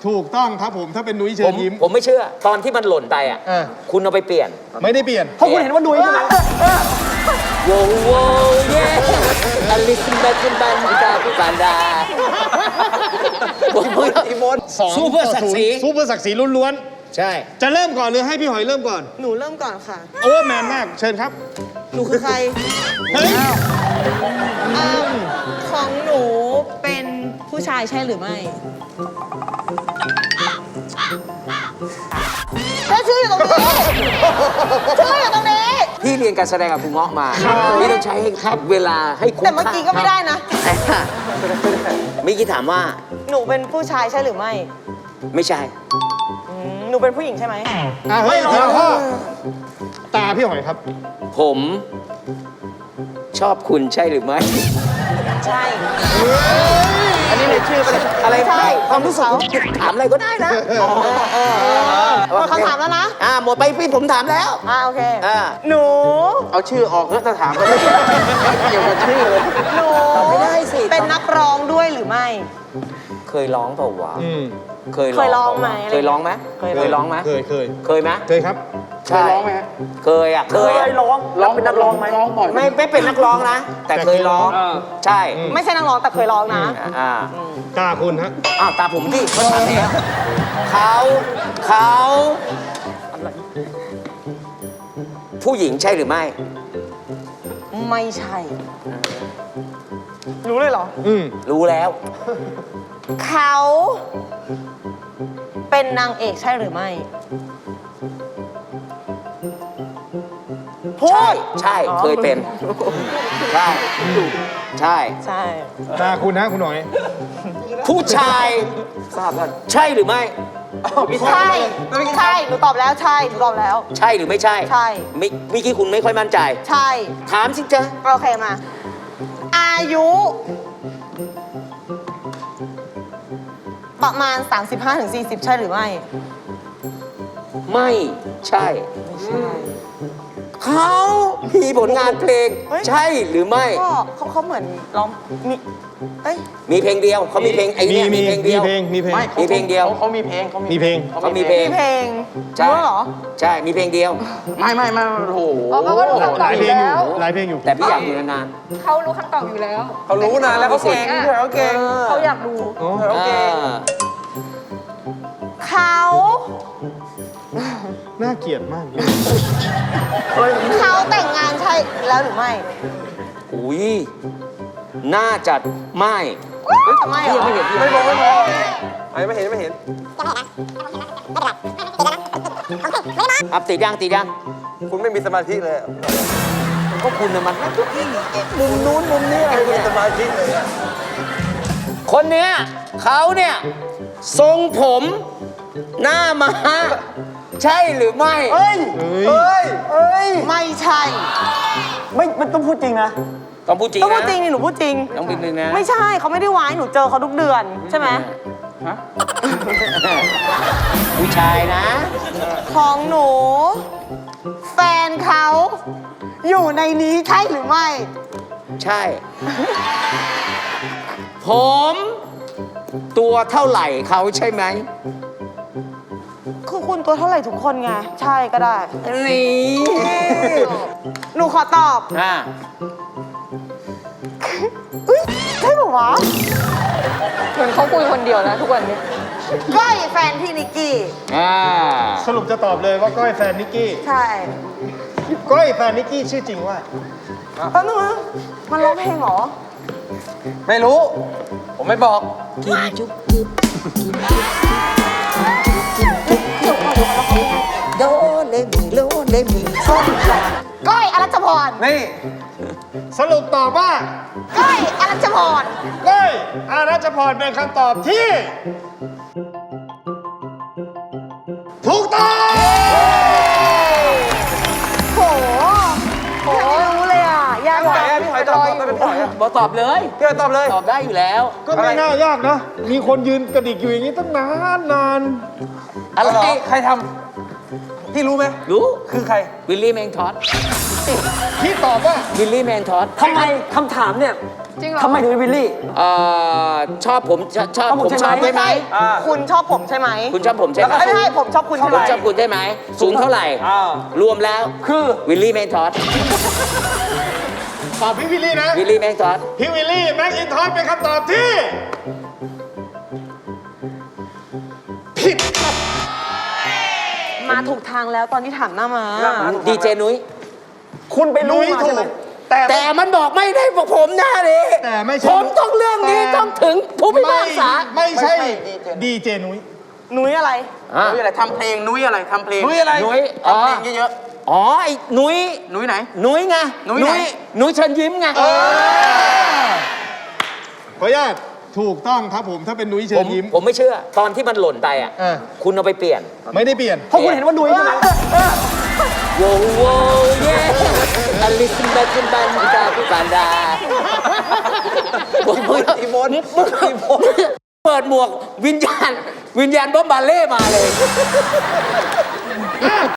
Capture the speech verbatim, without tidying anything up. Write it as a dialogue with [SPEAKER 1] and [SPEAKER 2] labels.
[SPEAKER 1] ถูกต้องครับผมถ้าเป็นนุ้ยเชิ
[SPEAKER 2] ผ
[SPEAKER 1] ญ
[SPEAKER 2] ม
[SPEAKER 1] ยิ้ม
[SPEAKER 2] ผมไม่เชื่อ ตอนที่มันหล่นไปอ่ะ
[SPEAKER 1] เออ
[SPEAKER 2] คุณเอาไปเปลี่ยน
[SPEAKER 1] ไม่ได้เปลี่ยน
[SPEAKER 3] เพราะคุณเห็นว่านุ้ยใช่ไหม
[SPEAKER 2] โว้โว้เย่อลิซินบันบันบันดาบันดา
[SPEAKER 3] อีโมน
[SPEAKER 1] สอง
[SPEAKER 2] สู้เพื่อศักดิ์ศรี
[SPEAKER 1] สู้เพื่อศักดิ์ศรีล้วน
[SPEAKER 2] ใช่
[SPEAKER 1] ๆจะเริ่มก่อนหรือให้พี่หอยเริ่มก่อน
[SPEAKER 4] หนูเริ่มก่อนค่ะ
[SPEAKER 1] โอเวอร์แมนมากเชิญครับ
[SPEAKER 4] หนูคือใคร
[SPEAKER 1] เฮ้ย
[SPEAKER 4] อ่าของหนูเป็นผู้ชายใช่หรือไม่แล้วชื่ออยู่ตรงนี้ชื่ออยู่ตรงนี้
[SPEAKER 2] พี่เรียนการแสดงกับคุณเงาะมา พี่ต้องใช้ให้เวลาให้คุ้ม
[SPEAKER 4] แต่เมื่อกี้ก็ไม่ได้นะ
[SPEAKER 2] เมื่อกี้ถามว่า
[SPEAKER 4] หนูเป็นผู้ชายใช่หรือไม่
[SPEAKER 2] ไม่ใช่
[SPEAKER 4] อืมหนูเป็นผู้หญิงใช่ไหม
[SPEAKER 1] อ่ะเฮ้ยทีละข้อตาพี่หอยครับ
[SPEAKER 2] ผมชอบคุณใช่หรือไม่
[SPEAKER 4] ใช่
[SPEAKER 3] อันนี้ในชื่อเป็นอะไร
[SPEAKER 4] ใช่
[SPEAKER 2] ความรู้สึกถามอะไรก็ได้นะ
[SPEAKER 4] หมดคำถามแล้วนะ
[SPEAKER 2] อ่าหมดไปพี่ผมถามแล้ว
[SPEAKER 4] อ่าโอเค
[SPEAKER 2] อ่า
[SPEAKER 4] หนู
[SPEAKER 3] เอาชื่อออกแล้วจะถามก็ไม่เกี่ยวกับชื่อเลย
[SPEAKER 4] หนู
[SPEAKER 2] ตอบไม่ได้สิ
[SPEAKER 4] เป็นนักร้องด้วยหรือไม่
[SPEAKER 2] เคยร้องเปล่าวะ
[SPEAKER 1] อืม
[SPEAKER 2] เคย
[SPEAKER 4] เคยร้องไหม
[SPEAKER 2] เคยร้องไหม
[SPEAKER 4] เคย
[SPEAKER 2] เคยร้องไหม
[SPEAKER 1] เคยเคย
[SPEAKER 2] เคยไหม
[SPEAKER 1] เคยครับ
[SPEAKER 2] ใช่ร้องไหมเคยอ่ะเคยอะ
[SPEAKER 3] ร้องร้องเป็นนักร้องไหมร้องบ่อย
[SPEAKER 2] ไม่ไม่เป็นนักร้องนะ แต่เคยร้อง
[SPEAKER 3] อ่า
[SPEAKER 2] ใช่
[SPEAKER 4] ไม่ใช่นักร้องแต่เคยร้องนะ
[SPEAKER 2] อ่า
[SPEAKER 1] ตาคุณฮะ
[SPEAKER 2] อ้าวตาผมดิเขาถามแล้วเขาเขาผู้หญิงใช่หรือไม่
[SPEAKER 4] ไม่ใช่ รู้เลยเหรอ
[SPEAKER 1] อืม
[SPEAKER 2] รู้แล้ว
[SPEAKER 4] เขาเป็นนางเอกใช่หรือไม่พู
[SPEAKER 2] ใช่
[SPEAKER 4] ด
[SPEAKER 2] ใช่
[SPEAKER 4] อ๋อ
[SPEAKER 2] เคยเป็น ใช่ ใช่
[SPEAKER 4] ใช่
[SPEAKER 1] ตาคุณฮะคุณหน่อย
[SPEAKER 2] ผู้ชายทราบกันใช่หรือไม่
[SPEAKER 4] ใช่ใช่หนูตอบแล้วใช่หนูตอบแล้ว
[SPEAKER 2] ใช่หรือไม่ใช่
[SPEAKER 4] ใช่
[SPEAKER 2] มิเมื่อกี้คุณไม่ค่อยมั่นใจ
[SPEAKER 4] ใช่
[SPEAKER 2] ถามสิจ๊ะ
[SPEAKER 4] โอเคมา อายุ ประมาณ สามสิบห้าถึงสี่สิบ ใช่หรือไม่
[SPEAKER 2] ไม่ใช่เขามีผลงานเพลง
[SPEAKER 4] เฮ้ย
[SPEAKER 2] ใช่หรือไม่
[SPEAKER 4] ก็เขาเขาเหมือนร้องมีเอ้ย
[SPEAKER 2] มีเพลงเดียวเขามีเพลงไอ้
[SPEAKER 1] มี
[SPEAKER 2] เนี่ยมี
[SPEAKER 1] มี
[SPEAKER 2] เพลง
[SPEAKER 1] มี
[SPEAKER 2] เดียว
[SPEAKER 1] เพลงมีเพลง
[SPEAKER 3] ไม่
[SPEAKER 2] มีเพลงเดียว
[SPEAKER 3] เขามีเพลงเขา
[SPEAKER 1] มีเพลง
[SPEAKER 2] เขามีเพลง
[SPEAKER 4] มีเพลง
[SPEAKER 2] ใช่
[SPEAKER 4] รู้เหรอ
[SPEAKER 2] ใช่มีเพลงเดียว
[SPEAKER 3] ไม่ไม่ไม่โอ้โห
[SPEAKER 5] อ๋อเขาก็รู้คำต
[SPEAKER 1] ห
[SPEAKER 5] อบ
[SPEAKER 1] ลาย
[SPEAKER 5] อ
[SPEAKER 1] เพล
[SPEAKER 5] ยู่
[SPEAKER 1] งอยู่
[SPEAKER 5] แล้ว
[SPEAKER 1] หลายเพลงอยู่
[SPEAKER 2] แต่พี่อยากอยู่นาน
[SPEAKER 5] เขารู้คำตอบอยู่แล้ว
[SPEAKER 3] เขารู้นะแล้วเขาเก่งด้วยเขาเก่ง
[SPEAKER 5] เขาอยากดู
[SPEAKER 1] อ๋อ
[SPEAKER 2] ๆ
[SPEAKER 3] เขาเก่ง
[SPEAKER 2] อ่า
[SPEAKER 4] เขา
[SPEAKER 1] น่าเกลียดมาก
[SPEAKER 4] เขาแต่งงานใช่แล้วหรือไม่
[SPEAKER 2] อุ้ยน่าจะไม่
[SPEAKER 4] ทำไมเหรอ
[SPEAKER 2] ไม่เห็นพี่
[SPEAKER 3] ไม่มองไม่มองไอ้ไม่เห็นไม่เห็น
[SPEAKER 2] อัพติดยังติดยัง
[SPEAKER 3] คุณไม่มีสมาธิเลย
[SPEAKER 2] ก็คุณน่ะมันมุมนู้นมุมนี้อะไร
[SPEAKER 3] ไม่มี
[SPEAKER 2] เนี่ย
[SPEAKER 3] สมาธิเลยอะ
[SPEAKER 2] คนเนี้ยเขาเนี่ยทรงผมหน้าม้าใช่หรือไม่
[SPEAKER 3] เฮ้ย
[SPEAKER 1] เฮ้ย
[SPEAKER 3] เฮ้ยเฮ้ย
[SPEAKER 4] ไม่ใช่
[SPEAKER 3] ไม่ไม่ต้องพูดจริงนะ
[SPEAKER 2] ต้องพูดจริง
[SPEAKER 4] ต้องพู
[SPEAKER 2] นะ
[SPEAKER 4] ดจริงนี่หนูพูดจริง
[SPEAKER 2] ต้องพูดจริงนะ
[SPEAKER 4] ไม่ใช่เขาไม่ได้ไว้หนูเจอเขาทุกเดือนใช่ไหม
[SPEAKER 3] ฮะ
[SPEAKER 2] ผู้ชายนะ
[SPEAKER 4] ของหนู แฟนเขาอยู่ในนี้ใช่หรือไม่
[SPEAKER 2] ใช่ ผมตัวเท่าไหร่เขาใช่ไหม
[SPEAKER 4] คือคุณตัวเท่าไหร่ทุกคนไง ใช่ก็ได้
[SPEAKER 2] นี่
[SPEAKER 4] หนูขอตอบ
[SPEAKER 2] อ่า
[SPEAKER 4] อุ้ยใช่ปะวะ
[SPEAKER 5] เหมือนเขาคุยคนเดียวนะทุกวันนี้
[SPEAKER 4] ก้อยแฟนพี่นิกกี้
[SPEAKER 2] อ่า
[SPEAKER 1] สรุปจะตอบเลยว่าก้อยแฟนนิกกี้
[SPEAKER 4] ใช่
[SPEAKER 1] ก้อยแฟนนิกกี้ชื่อจริงว่า
[SPEAKER 4] แป๊บนึงนะมันร้องเพลงเหรอ
[SPEAKER 3] ไม่รู้ ผมไม่บอก
[SPEAKER 2] กินจุ๊บจุ๊บกินจุ๊บจุ๊บโดเลมีโลเลมีส้มลา
[SPEAKER 4] ก้อยอรัชพร
[SPEAKER 3] นี่
[SPEAKER 1] สรุปตอบว่า
[SPEAKER 4] ก้อยอรัชพร
[SPEAKER 1] ก้อยอารัชพรเป็นคำตอบที่ ถูกต้อง
[SPEAKER 4] โหโหรู้เลยอ่ะ ยาก
[SPEAKER 3] พี่ห
[SPEAKER 4] จั
[SPEAKER 3] อย
[SPEAKER 4] ง
[SPEAKER 3] อะพี่หอยตอบตอบเป็นพี่หอยอะ
[SPEAKER 2] บอกตอบเลย
[SPEAKER 3] พี่หอยตอบเลย
[SPEAKER 2] ตอบได้อยู่แล้ว
[SPEAKER 1] ก็ไม่น่ายากนะ มีคนยืนกระดิกอยู่อย่างนี้ตั้งนานนาน
[SPEAKER 2] อะไร
[SPEAKER 3] เหรอใครทำพี่รู้ไหม
[SPEAKER 2] รู้
[SPEAKER 3] คือใคร
[SPEAKER 2] วิลลี่แมงทอส
[SPEAKER 1] ที่ตอบว่า
[SPEAKER 2] วิลลี่แมงทอส
[SPEAKER 3] ทำไมคำถามเนี่ย
[SPEAKER 5] จริงเหรอ
[SPEAKER 6] ทำไมถึงเป็นวิลลี่
[SPEAKER 2] เอ่อชอบผมชอบชอบ
[SPEAKER 6] ชอบผม
[SPEAKER 2] ผมชอบ
[SPEAKER 6] ใช่
[SPEAKER 2] ใช่
[SPEAKER 6] ไห
[SPEAKER 2] ไห
[SPEAKER 6] ม
[SPEAKER 2] ม
[SPEAKER 4] คุณชอบผมใช่ไหม
[SPEAKER 2] คุณชอบผมใช่ไหม
[SPEAKER 4] ไม่ใช่ผมชอบคุณใช่ไห
[SPEAKER 2] ผม มชอบคุณใช่ไหมสูงเท่าไหร่ รวมแล้ว
[SPEAKER 6] คือ
[SPEAKER 2] วิลลี่แมงทอส
[SPEAKER 1] ตอบพี่วิลลี่นะ
[SPEAKER 2] วิลลี่แมงทอส
[SPEAKER 1] พี่วิลลี่แม็กอินทอสเป็นคำตอบที่ ผิดครับ
[SPEAKER 4] มาถูกทางแล้วตอนที่ถามหน้ามา
[SPEAKER 2] ดีเจนุ้ย
[SPEAKER 6] คุณไปรู้
[SPEAKER 1] นุ้ย
[SPEAKER 6] มา
[SPEAKER 1] ถู
[SPEAKER 6] ใช่ไหม
[SPEAKER 1] ก แต่
[SPEAKER 2] แต่มันบอกไม่ได้พวกผมหน้าดิ
[SPEAKER 1] แต่ไม่ใช่
[SPEAKER 2] ผมต้องเรื่องนี้
[SPEAKER 1] แต่
[SPEAKER 2] ต้องถึงผู้พิพากษา
[SPEAKER 1] ไม่ใช่
[SPEAKER 3] ไม่ใช่
[SPEAKER 1] ดีเจนุ้ย
[SPEAKER 4] นุ้ยอะไร
[SPEAKER 2] อ่ะ
[SPEAKER 3] นุ้ยอะไรทำเพลงนุ้ยอะไรทำเพลง
[SPEAKER 1] นุ้ยอะไร
[SPEAKER 2] นุ้ยอ๋อ
[SPEAKER 3] ทำเพลงเยอะ
[SPEAKER 2] อ๋อไอ้นุ้ย
[SPEAKER 3] ๆนุ้ยไหน
[SPEAKER 2] นุ้ยไง
[SPEAKER 3] นุ้ยไหน
[SPEAKER 2] นุ้ยเชิญยิ้มไง
[SPEAKER 1] ขออนุญาตถูกต้องครับผมถ้าเป็นนุ้ยเชิ
[SPEAKER 2] ผ
[SPEAKER 1] ญ
[SPEAKER 2] ม
[SPEAKER 1] ยิ้ม
[SPEAKER 2] ผมไม่เชื่อ ตอนที่มันหล่นไปอ่ะ
[SPEAKER 1] เออ
[SPEAKER 2] คุณเอาไปเปลี่ยน
[SPEAKER 1] ไม่ได้เปลี่ยน
[SPEAKER 6] เพราะคุณเห็นว่านุ้ยใช่ไหม
[SPEAKER 2] โว้โว้เย่อลิสบันบันบันดาบันดามึงอีโมนมึงอีโมนเปิดหมวกวิญญาณ วิญญาณบ๊อบบาเล่มาเลย